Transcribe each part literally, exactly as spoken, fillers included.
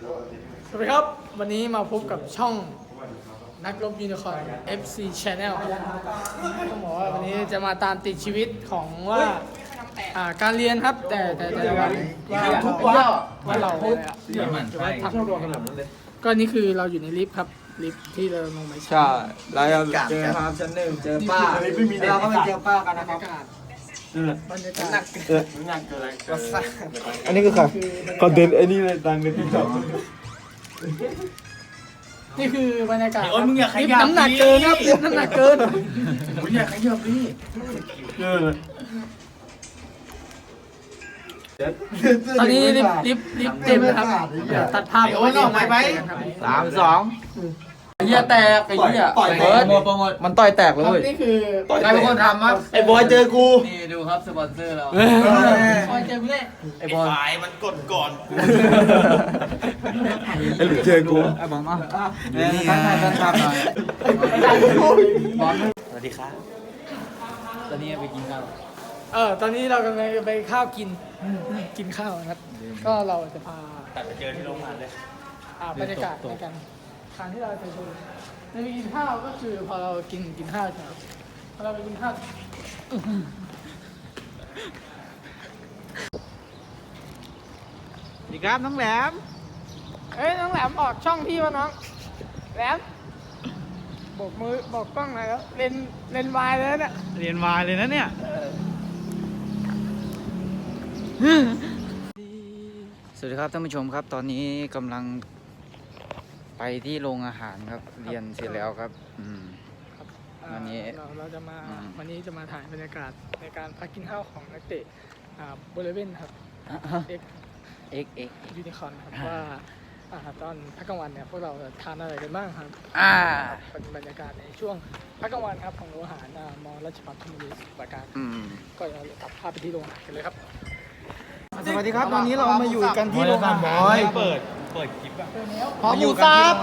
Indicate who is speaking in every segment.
Speaker 1: สวัสดีครับวันนี้มาพบกับช่องนักรบยูนิคอร์น เอฟ ซี Channel ต้องบอกว่าวันนี้จะมาตามติดชีวิตของว่าอ่าการเรียนครับแต่แต่แต่ว่าว่าว่าเราทำก็นี่คือเราอยู่ในลิฟต์ครับลิฟต์ที่เราลงไปใช่
Speaker 2: เราจะเจอครับชั้นหนึ่งเจอป้าเราก็ไปเจอป้ากันนะครับ
Speaker 1: บรรยากาศ
Speaker 2: หนักเกินหนักเกินอะไรอันนี้คือค่ะคอนเทนต์ไอ้นี่เลยดังกันที่จอด
Speaker 1: นี่คือบรรยากาศ
Speaker 3: โอ้ยมึงอย่าขยับ
Speaker 1: น้ำหนักเกินครับน้ำหนักเกิน
Speaker 3: มึงอย่าขยับดิเออ
Speaker 1: ตอนนี้ลิฟต์ลิฟต์ลิฟต์เต็มนะครับตัดภาพ
Speaker 3: โอ้ยออกไปไป
Speaker 2: สามสองไอ้เหี้ยแตกไอ้เหี้ยต่อยเบิร์ดมันต่อยแตกเลย
Speaker 1: นี่คือ
Speaker 2: ใครเป็นคนทำครับไอ้บอยเจอกู
Speaker 4: นี่ดูครับสปอนเซอร์เรา
Speaker 1: คอยเจอพี่เล่
Speaker 3: ไอ้บอลไอ้มันกดก่อน
Speaker 2: ไอ้หลุดเจอกู
Speaker 4: ไอ้บอลมาเนี่ยท่านท่านท่านทำหน่อยบอลสวัสดีครับตอนนี้ไปกินข้าว
Speaker 1: เออตอนนี้เรากำลังจะไปข้าวกินกินข้าวนะครับก็เราจะพา
Speaker 3: ตัดไปเจอที่โรงงานเลย
Speaker 1: อ่าบรรยากาศในการทานที่เราจะดูในไปกินข้าวก็คือพอเรากินกินข้าวใช่ไหมพอเราไปกินข้าว
Speaker 4: สวัสดีครับน้องแหลม
Speaker 1: เอ้ยน้องแหลมออกช่องพี่วะน้องแหลมบอกมือบอกกล้องหน่อยครับเลนเลนวายเลยเนี่ย
Speaker 4: เรียนวายเลยนะเนี่ยสวัสดีครับท่านผู้ชมครับตอนนี้กำลังไปที่โรงอาหารครับเรียนเสร็จแล้วครับอืม
Speaker 1: อ่า
Speaker 4: วันนี้
Speaker 1: เราเราจะมา
Speaker 4: อืม
Speaker 1: วันนี้จะมาถ่ายบรรยากาศในการพักกินข้าวของนักเตะอ่าบริเวณครับเอ็ก
Speaker 4: เอ็กเอ็ก
Speaker 1: ยูนิคอร์นครับว่าอ่าตอนพักกลางวันเนี่ยพวกเราทานอะไรกันบ้างครับ
Speaker 4: อ่า
Speaker 1: เป็นบรรยากาศในช่วงพักกลางวันครับของโรงอาหารอ่ามอราชภัฏธนบุรีสมุทรปราการ
Speaker 4: อืม
Speaker 1: ก็เราตัดภาพไปที่โรงอาหารกันเลยครับ
Speaker 2: สวัสดีครับตอนนี้เรามาอยู่กันที่โรงอาหาร
Speaker 3: เปิดเปิดคลิปอะ
Speaker 2: ขอหมูสับ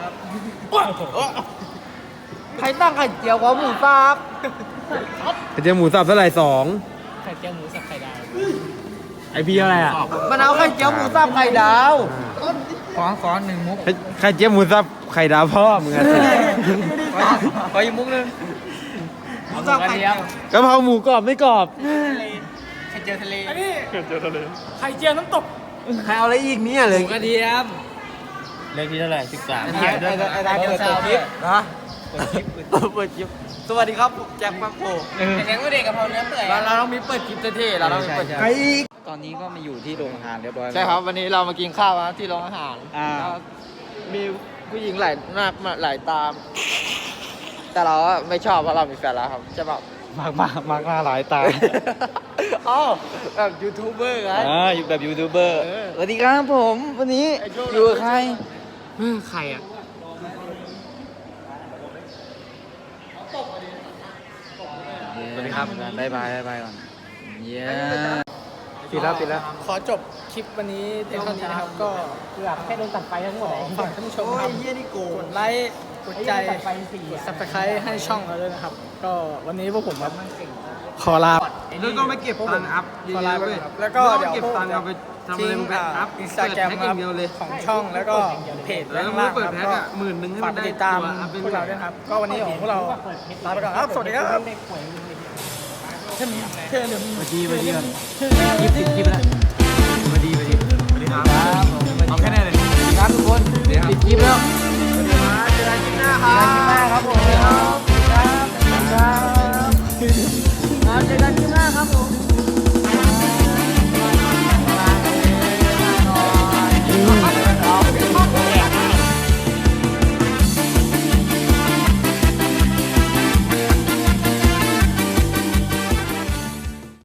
Speaker 2: ใครตั้งไข่เจียวขอหมูสับไข่เจียวหมูสับเท่าไหร่สอง
Speaker 1: ไข่เจียวหมูสับไข่ดาว
Speaker 2: ไอพี่อะไรอ่ะมันเอาไข่เจียวหมูสับไข่ดาว
Speaker 4: ขอขอหนึ่งมุก
Speaker 2: ไข่เจียวหมูสับไข่ดาวพ่อมึงอะ
Speaker 4: ขออีกมุกหนึง
Speaker 2: หมูสับไข่เจียวกะเพราหมูกรอบไม่กรอบ
Speaker 4: ไข่เจียวทะเล
Speaker 1: อันนี้ไข่เจียวทะเลไข่เจียวน้ำตก
Speaker 2: ใครเอาอะไรอีกเนี่ยเลย
Speaker 4: หมูกระเทียม
Speaker 3: เลขที่เท่าไหร่สิบสาม
Speaker 4: ไอ้ไอ้ไอ้ไอ้ไอ้เปิดคลิป
Speaker 2: นะ เปิดคลิปเปิดคลิปสวัสดีครับผมแจ็คปังโก
Speaker 4: เลี้ยงเด็กกะเพราเนื้อเปื่อย
Speaker 2: เราเราต้องมีเปิดคลิปเท่ๆเราต้องมีเปิดใครอีก
Speaker 4: ตอนนี้ก็มาอยู่ที่โรงอาหารเรียบร้อยแล้ว
Speaker 2: ใช่ครับวันนี้เรามากินข้าวครับที่โรงอาหาร
Speaker 4: อ่า
Speaker 2: มีผู้หญิงหลายมากหลายตาม แต่เราอะไม่ชอบเพราะเรามีแฟนแล้วครับใช่ป่ะ
Speaker 4: มากมากมากหน้าหลายตา
Speaker 2: อ๋อแบบยูทูบเบอร์ไง
Speaker 4: อ่าอยู่แบบยูทูบเบอร์
Speaker 2: เออ
Speaker 4: สวัสดีครับผมวันนี้อยู่กับใคร
Speaker 2: ใครอ่ะ
Speaker 4: สวัสดีครับบายบายบายบายก่อนเย้
Speaker 2: ปิดแล้วปิดแล้ว
Speaker 1: ขอจบคลิปวันนี้เพียงเท่านี้นะครับก็เพื่อแค่โดนตัดไฟทั้งหมดฝากท่านผู้ชมครับ
Speaker 2: เฮียนี่โก
Speaker 1: กดไลค์กดใจกดซับสไครต์ให้ช่องเราด้วยนะครับ ก็วันนี้พวกผมครับขอลา
Speaker 2: แล้วก็ไม่เก็บตังค์อัพ
Speaker 1: ขอลาไปก่อนครับแล้วก็เดี๋ยว
Speaker 2: เก็บตังค์เอาไปทำอะไร
Speaker 1: ทิ้ง
Speaker 2: มึงไปอัพ
Speaker 1: อินสตาแกรมครับของช่องแล้วก็เพจ
Speaker 2: แล้ว
Speaker 1: ข้าง
Speaker 2: มึง
Speaker 1: ล่าง
Speaker 2: เปิด
Speaker 1: ครับ
Speaker 2: แพ็ค
Speaker 1: ก็
Speaker 2: อะหมื่นหนึ่งให้
Speaker 1: ฝา
Speaker 2: มั
Speaker 1: ก
Speaker 2: น
Speaker 1: ไป
Speaker 2: ได้
Speaker 1: ติดตาม
Speaker 2: ตัวอัพเป็น
Speaker 1: พวกเราด้วยนะครับ ก็วันนี้ของพวกเราลาไปก่อนครับสวัสดีครับเช่นเช่นเดิม
Speaker 4: สวัสดีสวัสดีก่อนคลิปคลิปแล้วสวัสดีสวัสดีสวัสดีครับ